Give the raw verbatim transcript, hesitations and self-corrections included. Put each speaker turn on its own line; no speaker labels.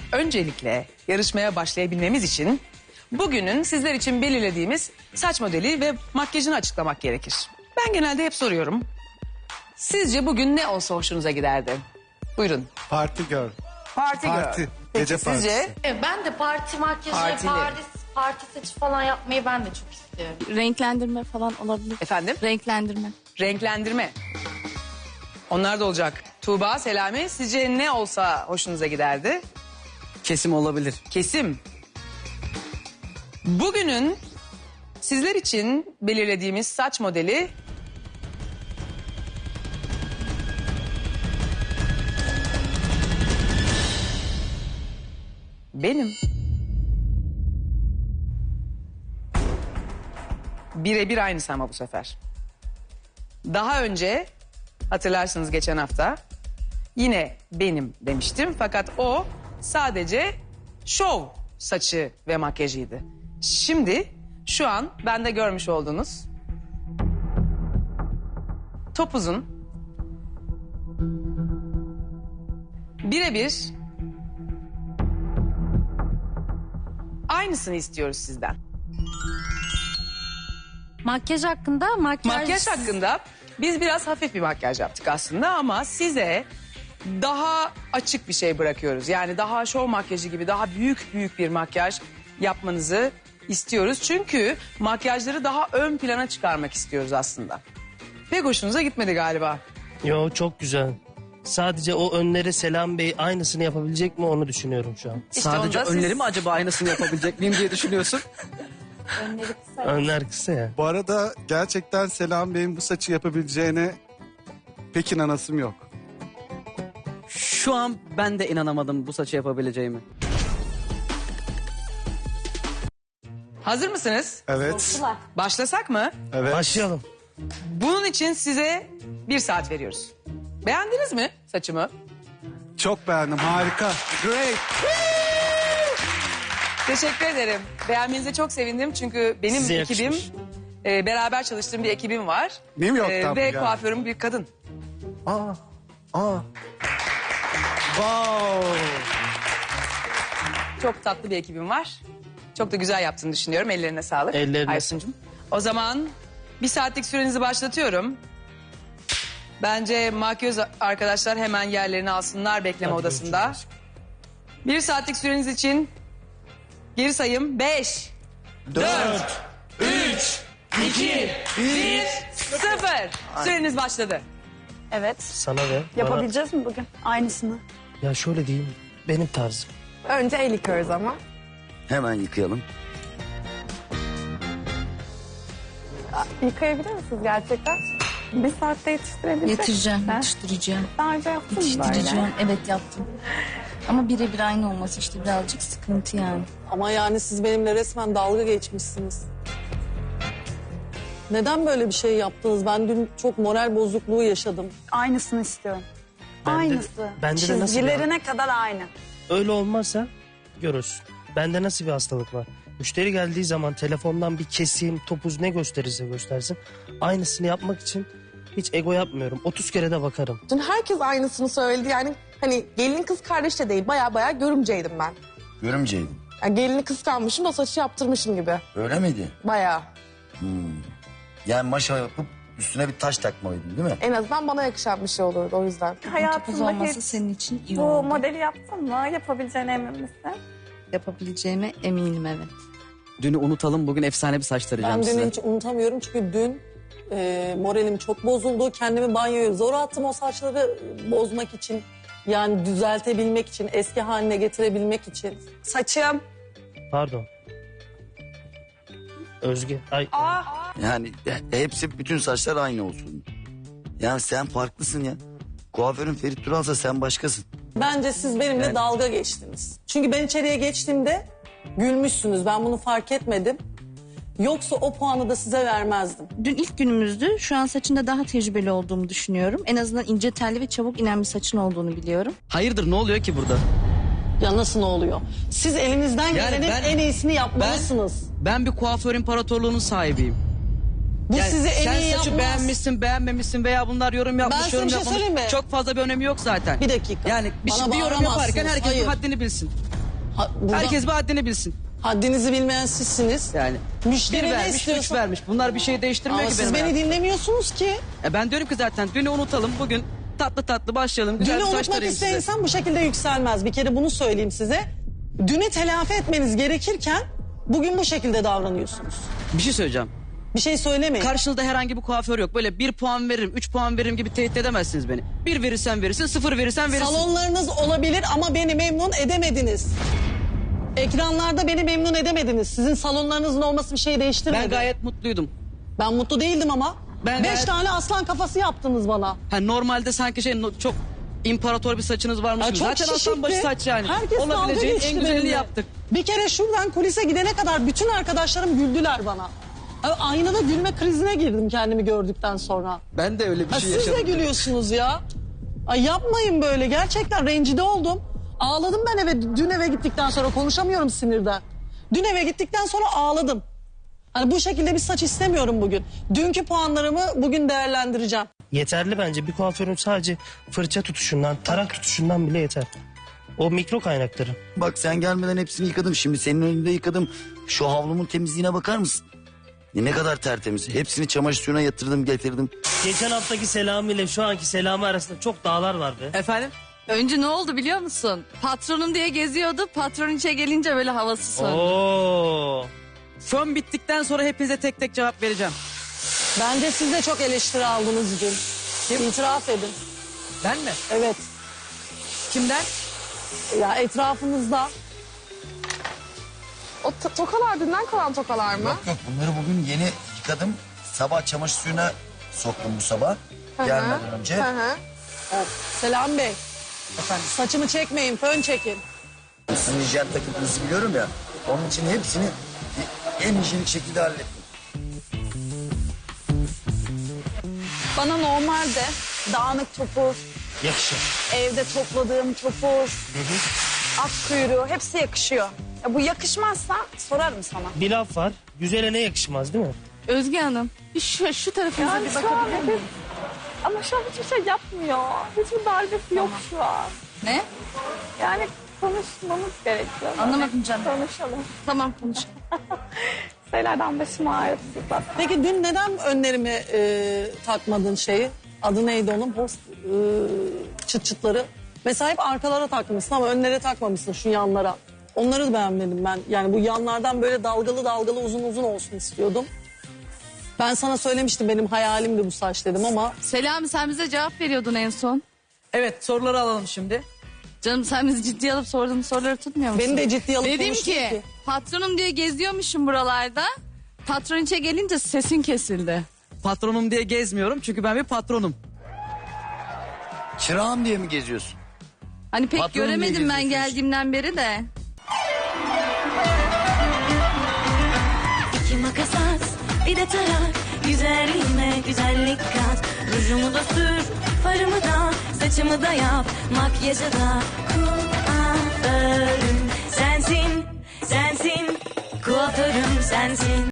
Öncelikle yarışmaya başlayabilmemiz için bugünün sizler için belirlediğimiz saç modeli ve makyajını açıklamak gerekir. Ben genelde hep soruyorum. Sizce bugün ne olsa hoşunuza giderdi? Buyurun.
Party girl.
Parti
Parti.
girl. Peki
Gece
sizce?
partisi.
Evet, ben de parti makyajı,
Partili.
parti, parti saçı falan yapmayı ben de çok istiyorum.
Renklendirme falan olabilir.
Efendim?
Renklendirme.
Renklendirme. Onlar da olacak. Tuğba, Selami, sizce ne olsa hoşunuza giderdi?
Kesim olabilir.
Kesim. Bugünün sizler için belirlediğimiz saç modeli... benim. Birebir aynısı ama bu sefer. Daha önce hatırlarsınız geçen hafta yine benim demiştim. Fakat o sadece şov saçı ve makyajıydı. Şimdi şu an bende görmüş olduğunuz topuzun birebir aynısını istiyoruz sizden.
Makyaj hakkında makyaj...
Makyaj hakkında biz biraz hafif bir makyaj yaptık aslında ama size daha açık bir şey bırakıyoruz. Yani daha şov makyajı gibi daha büyük büyük bir makyaj yapmanızı istiyoruz. Çünkü makyajları daha ön plana çıkarmak istiyoruz aslında. Pek hoşunuza gitmedi galiba.
Yo, çok güzel. Sadece o önleri Selam Bey aynısını yapabilecek mi onu düşünüyorum şu an.
İşte
Sadece
onda siz-
önleri mi acaba aynısını yapabilecek miyim diye düşünüyorsun?
Önler kısa ya.
Bu arada gerçekten Selam Bey'in bu saçı yapabileceğine pek inanasım yok.
Şu an ben de inanamadım bu saçı yapabileceğimi.
Hazır mısınız?
Evet.
Başlasak mı?
Evet.
Başlayalım.
Bunun için size bir saat veriyoruz. Beğendiniz mi saçımı?
Çok beğendim. Harika. Great.
Teşekkür ederim. Beğenmenize çok sevindim çünkü benim
Size
ekibim,
yakışmış.
e, beraber çalıştığım bir ekibim var.
New York'tan mı
Ve
geldi?
kuaförüm bir kadın.
Aa. Aa. Wow.
Çok tatlı bir ekibim var. Çok da güzel yaptığını düşünüyorum. Ellerine sağlık.
Ellerine
Aysuncuğum. O zaman bir saatlik sürenizi başlatıyorum. Bence makyöz arkadaşlar hemen yerlerini alsınlar bekleme
Hadi
odasında.
görüşürüz.
Bir saatlik süreniz için geri sayım beş, dört, üç, iki, bir, sıfır. Süreniz başladı.
Evet.
Sana ve
Yapabileceğiz mi bugün? Aynısını.
bana- Ya şöyle diyeyim, benim tarzım.
Önce el yıkıyoruz ama.
Hemen yıkayalım.
Yıkayabilir misiniz gerçekten? Bir saatte yetiştirebilecek
Yetiştireceğim,
misin?
yetiştireceğim.
Daha önce yaptın mı
Yetiştireceğim,
böyle?
evet yaptım. Ama birebir aynı olması işte birazcık sıkıntı yani.
Ama yani siz benimle resmen dalga geçmişsiniz. Neden böyle bir şey yaptınız? Ben dün çok moral bozukluğu yaşadım.
Aynısını istiyorum.
Bende-
Aynısı.
bende de nasıl bir-
Çizgilerine kadar aynı.
Öyle olmazsa görürsün. Bende nasıl bir hastalık var? Müşteri geldiği zaman telefondan bir kesim, topuz ne gösterirse göstersin. Aynısını yapmak için hiç ego yapmıyorum. otuz kere de bakarım.
Dün herkes aynısını söyledi. Yani hani gelin kız kardeş de değil. Baya baya görümceydim ben.
Görümceydim.
Yani gelini kıskanmışım da saçı yaptırmışım gibi.
Öyle miydi?
Baya.
Yani maşa yapıp üstüne bir taş takmalıydın değil mi?
En azından bana yakışan bir şey olurdu o yüzden.
Topuz
Hayatında
olması
hiç
senin için iyi
bu
oldu.
modeli yaptın mı? Yapabileceğine emin misin?
Yapabileceğime eminim, evet.
Dünü unutalım, bugün efsane bir saç tarayacağım
Ben
size.
dün hiç unutamıyorum çünkü dün e, moralim çok bozuldu. Kendimi banyoya zor attım o saçları bozmak için. Yani düzeltebilmek için, eski haline getirebilmek için.
Saçım.
Pardon. Özge. Ay.
Yani e, hepsi bütün saçlar aynı olsun. Yani sen farklısın ya. Kuaförün Ferit Tural'sa sen başkasın.
Bence siz benimle
Yani-
dalga geçtiniz. Çünkü ben içeriye geçtiğimde gülmüşsünüz. Ben bunu fark etmedim. Yoksa o puanı da size vermezdim.
Dün ilk günümüzdü. Şu an saçında daha tecrübeli olduğumu düşünüyorum. En azından ince telli ve çabuk inen bir saçın olduğunu biliyorum.
Hayırdır, ne oluyor ki burada?
Ya nasıl ne oluyor? Siz elinizden gelenin
ben-
en iyisini yapmalısınız.
Ben bir kuaför imparatorluğunun sahibiyim.
Bu
Yani
sizi en
sen
iyi
saçı
yapmaz.
beğenmişsin, beğenmemişsin veya bunlar yorum yapmış,
size
yorum
bir şey
yapmamış.
söyleyeyim mi?
Çok fazla bir önemi yok zaten.
Bir dakika.
Yani bir,
Bana
bir yorum
bağıramazsınız.
yaparken herkes
Hayır.
bir haddini bilsin.
Ha, burada
Herkes bir haddini bilsin.
haddinizi bilmeyen sizsiniz.
Yani
Müşteri
bir
ne
vermiş,
istiyorsa-
üç vermiş. Bunlar bir şey değiştirmiyor
Ama
ki
siz
benim
beni
hayatımda.
dinlemiyorsunuz ki.
E ben diyorum ki zaten dünü unutalım. Bugün tatlı tatlı başlayalım. Güzel
Dünü
bir saç
unutmak
tarayayım
isteyen
size.
insan bu şekilde yükselmez. Bir kere bunu söyleyeyim size. Dünü telafi etmeniz gerekirken bugün bu şekilde davranıyorsunuz.
Bir şey söyleyeceğim.
Bir şey söylemeyin.
Karşınızda herhangi bir kuaför yok. Böyle bir puan veririm, üç puan veririm gibi tehdit edemezsiniz beni. Bir verirsen verirsin, sıfır verirsen verirsin.
Salonlarınız olabilir ama beni memnun edemediniz. Ekranlarda beni memnun edemediniz. Sizin salonlarınızın olması bir şey değiştirmedi.
Ben gayet mutluydum.
Ben mutlu değildim ama.
Ben
Beş
gayet-
tane aslan kafası yaptınız bana.
Ha, normalde sanki şey no- çok imparator bir saçınız varmış
Ya
gibi.
çok
Zaten aslan
şişikti.
başı saç yani.
Herkes dalga
Olabileceğin
geçti
en güzelini
benimle.
yaptık.
Bir kere şuradan kulise gidene kadar bütün arkadaşlarım güldüler bana. Abi, aynada gülme krizine girdim kendimi gördükten sonra.
Ben de öyle bir
Ha,
şey
siz
yaşadım.
de gülüyorsunuz ya. Ay yapmayın böyle. Gerçekten rencide oldum. Ağladım ben eve dün eve gittikten sonra konuşamıyorum sinirden. Dün eve gittikten sonra ağladım. Hani bu şekilde bir saç istemiyorum bugün. Dünkü puanlarımı bugün değerlendireceğim.
Yeterli bence bir kuaförün sadece fırça tutuşundan, tarak tutuşundan bile yeter. O mikro kaynakları.
Bak sen gelmeden hepsini yıkadım. Şimdi senin önünde yıkadım. Şu havlumun temizliğine bakar mısın? Ne kadar tertemiz. Hepsini çamaşır suyuna yatırdım getirdim.
Geçen haftaki Selami ile şu anki Selami arasında çok dağlar var be.
Efendim?
Önce ne oldu biliyor musun? Patronum diye geziyordu. Patron içe gelince böyle havası söndü.
Oo.
Fön bittikten sonra hepinize tek tek cevap vereceğim.
Bence siz de çok eleştiri aldınız dün. İtiraf edin.
Ben mi?
Evet.
Kimden?
Ya etrafınızda.
O to- tokalar dünden kalan tokalar mı?
Yok yok bunları bugün yeni yıkadım. Sabah çamaşır suyuna soktum bu sabah. Gelmeden önce.
Hı hı.
Selam Bey.
Efendim?
Saçımı çekmeyin, fön çekin.
Sizin hijyen takıntınızı biliyorum ya. Onun için hepsini en hijyenik şekilde hallettim.
Bana normalde dağınık topuz,
Yakışır.
evde topladığım topuz, at kuyruğu hepsi yakışıyor. Ya bu yakışmazsa sorarım sana.
Bir laf var. Güzele ne yakışmaz değil mi?
Özge Hanım bir şu, şu tarafınıza
Yani
bir
şu an
bakabilir miyim?
Ama şu an hiçbir şey yapmıyor. Hiçbir darbesi yok şu an.
Ne?
Yani konuşmamız gerekiyor.
Anlamadım canım.
Konuşalım.
Tamam konuş.
Şeylerden başımı ağrıttı zaten.
Peki dün neden önlerime e, takmadın şeyi? Adı neydi onun? Post e, çıt çıtları. Mesela hep arkalara takmışsın ama önlere takmamışsın şu yanlara. Onları da beğenmedim ben. Yani bu yanlardan böyle dalgalı dalgalı uzun uzun olsun istiyordum. Ben sana söylemiştim benim hayalimdi bu saç dedim ama
Selami sen bize cevap veriyordun en son.
Evet, soruları alalım şimdi.
Canım sen bizi ciddiye alıp sorduğun soruları tutmuyor musun?
beni de ciddiye alıp
Dedim
konuştun
ki,
ki.
patronum diye geziyormuşum buralarda. Patron içe gelince sesin kesildi.
Patronum diye gezmiyorum çünkü ben bir patronum.
Çırağım diye mi geziyorsun?
Hani pek
Patronum diye
göremedim ben
geziyorsunuz.
geldiğimden beri de.
İki makas at, bir de tarak. Güzelliğime güzellik kat. Rujumu da sür, farımı da, saçımı da yap. Makyajı da kuaförüm sensin, sensin. Kuaförüm sensin.